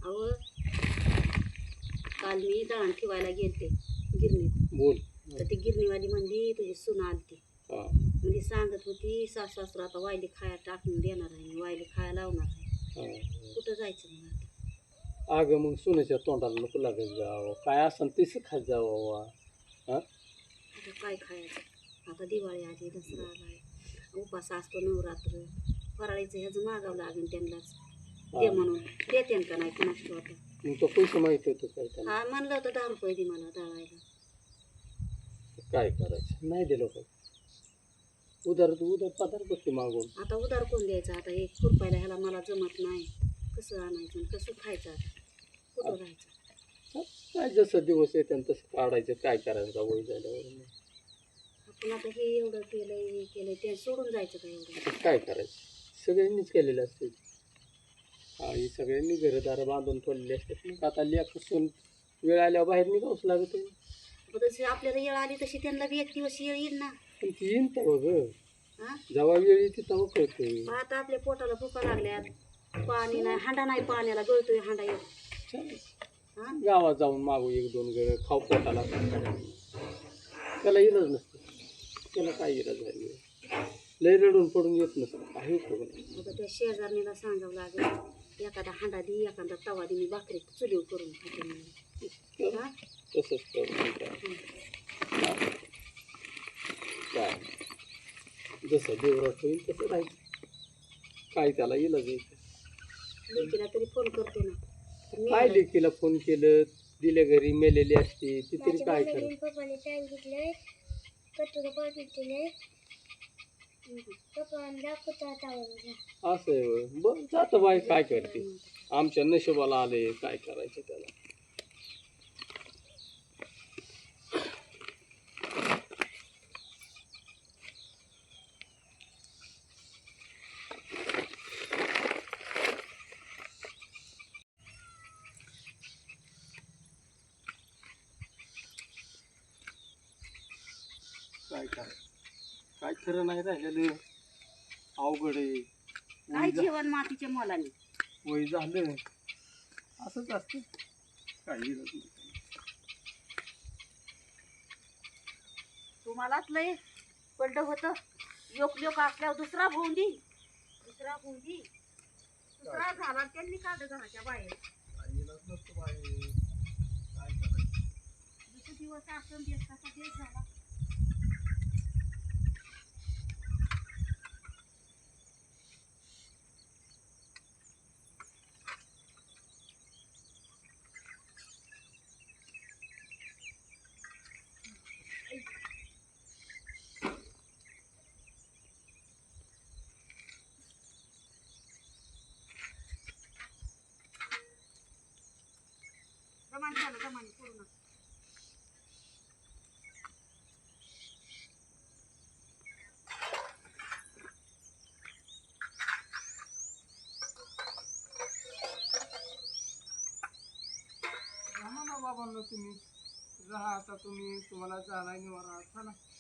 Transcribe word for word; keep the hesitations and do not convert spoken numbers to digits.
अहो काल मी दळण ठेवायला गेलते गिरणीत. बोल. तर ती गिरणीवाली म्हणली तुझी सून आलती. हा म्हणजे सांगत होती सासू सासू आता वायली खाया टाकून देणार आहे मी, वायली खाया लावणार आहे. हा. कुठं जायचं मग आता? अगं मग सोन्याच्या तोंडाला नको लागत जावं, काय असं तसं खात जावं. हा आता काय खायचं? आता दिवाळी आली, दसरा आलाय, उपास असतो नवरात्र, फराळीचं ह्याचं मागावं लागेल त्यांनाच दे म्हणून. देते का नाही कुणाच आता. मग तो पैसे माहिती होतं काय त्याला? हा म्हणलं होतं दहा रुपये दे मला दळायला. काय करायचं, नाही दिलं काय उधार उधार पदार बसते मागून. आता उधार कोण द्यायचं? आता एक खुरपायला ह्याला मला जमत नाही, कसं आणायचं आणि कसं खायचं? आता कुठं राहायचं? काय जसं दिवस येते तसं काढायचं, काय करायचं वय झाल्यावर. आपण आता हे एवढं केलंय हे केलंय ते सोडून जायचं का एवढं? आता काय करायचं, सगळ्यांनीच केलेलं असते. हा ही सगळ्यांनी घरदार बांधून ठेवलेले असतात. मग आता लेकरून वेळ आल्यावर बाहेर निघावंच लागत. जशी आपल्याला येळ आली तशी त्यांना बी एक दिवस येळ येईल ना. पण ती येईन तेव्हा ग, हा जेव्हा वेळ येते तेव्हा कळते. आता आपल्या पोटाला भुका लागल्यात, पाणी नाही, हांडा नाही पाण्याला, गळतोय हांडा एक. हा गावात जाऊन मागू एक दोन गळ खाऊ पोटाला. त्याला इलाज नसतं, त्याला काय इलाज झाली. लय रडून पडून येत नसतं काही करून. आता त्या शेजारणीला सांगावं लागेल एखादा हांडा दे, एखादा तवा दे, मी भाकरी चुलीव करून खाते म्हणून. हा तसंच करून काय जसं देवरात होईल तसं राहायचं. काय त्याला इलाज यायचं. लेकीला तरी फोन करते ना. काय लेकीला फोन केलं, दिल्या घरी मेलेली असते ती तरी काय कर. पप्पाने सांगितलंय कटोरा पाठवले पप्पा दाखवता. असं आहे होय. बरं जातं बाई, काय करते, आमच्या नशिबाला आले, काय करायचं त्याला. काय करायचं, काय खरं नाही राहिलेलं, अवघड आहे. काय जेवण मातीच्या मोलाने. वय झालं असंच असतं, काही इलाज नाही. तुम्हालाच लय पडलं होतं. लोक लोक असल्यावर दुसरा भोंदी दुसरा भोंदी दुसरा झाला त्यांनी काढलं घराच्या बाहेर. काही इलाज नसतो बाई, काय करायचं. दुसरे दिवस असं देश कसा देश झाला. जमाने झालं जमाने पूर्ण. राहा ना बाबांना, तुम्ही राहा आता, तुम्ही तुम्हाला जाणार निवारा. चला.